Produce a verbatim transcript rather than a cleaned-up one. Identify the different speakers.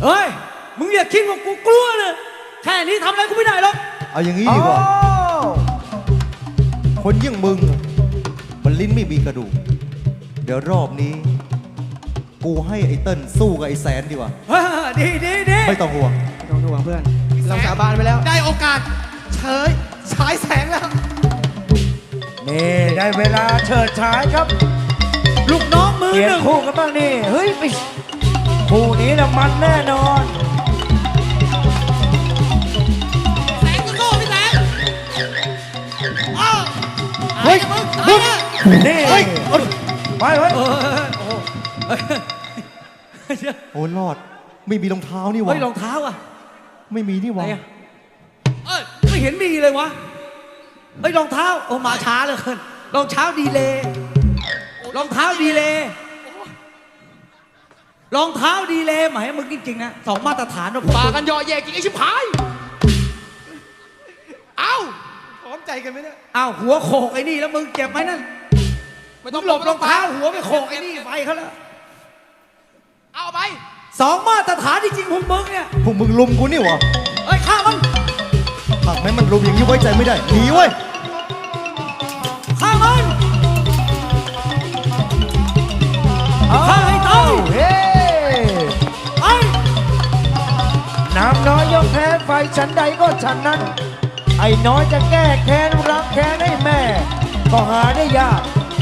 Speaker 1: เฮ้ย มึงอย่าคิดว่ากูกลัวนะแค่นี้ทำอะไรกูไม่ได้หรอก
Speaker 2: เอาอย่างนี้ดีกว่า คนอยิ่างมึงอะมันลิ้นไม่มีกระดูก เดี๋ยวรอบนี้ กูให้ไอ้เติ้ลสู้กับไอ้แสนดีกว่า
Speaker 1: เออดีดีดี
Speaker 2: ไม่ต้องห่วง
Speaker 3: ไม่ต้องห่วงเพื่อน เราสาบานไปแล้ว
Speaker 1: ได้โอกาส
Speaker 3: เฉยฉายแสงแล้ว
Speaker 4: นี่ได้เวลาเฉิดฉายครับ
Speaker 1: ลูกน้องมือ
Speaker 4: เปลี่ย
Speaker 1: ห
Speaker 4: น
Speaker 1: นึ่ง
Speaker 4: คู่กันบ้างนี่ เฮ้ยไปคู่นี้นะมันแน่นอน
Speaker 1: แสงจะโง่พี่แสงอ้าว
Speaker 4: เฮ้ย
Speaker 1: มึง
Speaker 4: มึง
Speaker 1: ตาย
Speaker 4: นี่
Speaker 2: เฮ้ย
Speaker 4: ไปเฮ้ย
Speaker 1: เออโอ้โหเฮ้ย
Speaker 2: โอ้รอด ไม่มีรองเท้านี่หวะ
Speaker 1: เฮ้ยรองเท้าอ่ะ
Speaker 2: ไม่มีนี่หวะ
Speaker 1: ไหนอะ เอ้ยไม่เห็นมีเลยวะเฮ้ยรองเท้าโอ้มาช้าเหลยเกินรองเท้าดีเลยรองเท้าดีเลยรองเท้าดีเลยหมายมึงจริงๆนะสองมาตรฐานนะผม
Speaker 3: ปากันย่อแย่จริงไอ้ชิบหาย เอ้าพร้อมใจกันไหมเนี่ย
Speaker 1: อ้าวหัวโขกไอ้นี่แล้วมึงเจ็บไหมนั่น
Speaker 3: ไม่
Speaker 1: ต้
Speaker 3: ต้
Speaker 1: อ
Speaker 3: อง ง
Speaker 1: ห
Speaker 3: ห
Speaker 1: ล
Speaker 3: ล
Speaker 1: บบ ร
Speaker 3: ร
Speaker 1: อ
Speaker 3: อง ง
Speaker 1: เท้า
Speaker 3: เท้า
Speaker 1: หัวไปโขกไอ้นี่ไฟเขาแล้ว
Speaker 3: เอาไป
Speaker 1: สองมาตรฐานจริงๆพวกมึงเนี่ย
Speaker 2: พวกมึงลุมกูนี่หวะ
Speaker 1: เอ้ยฆ่ามัน
Speaker 2: หากแม้มันลุมอย่างนี้ไว้ใจไม่ได้ หนีเว้ย
Speaker 1: ฆ่ามันฆ่าให้ตาย
Speaker 4: เฮ้
Speaker 1: ไอ้
Speaker 4: น้ำน้อยยกแพ้ไฟฉันใดก็ฉันนั้น ไอ้น้อยจะแก้แค้นรักแค้นให้แม่ ก็หาได้ยาก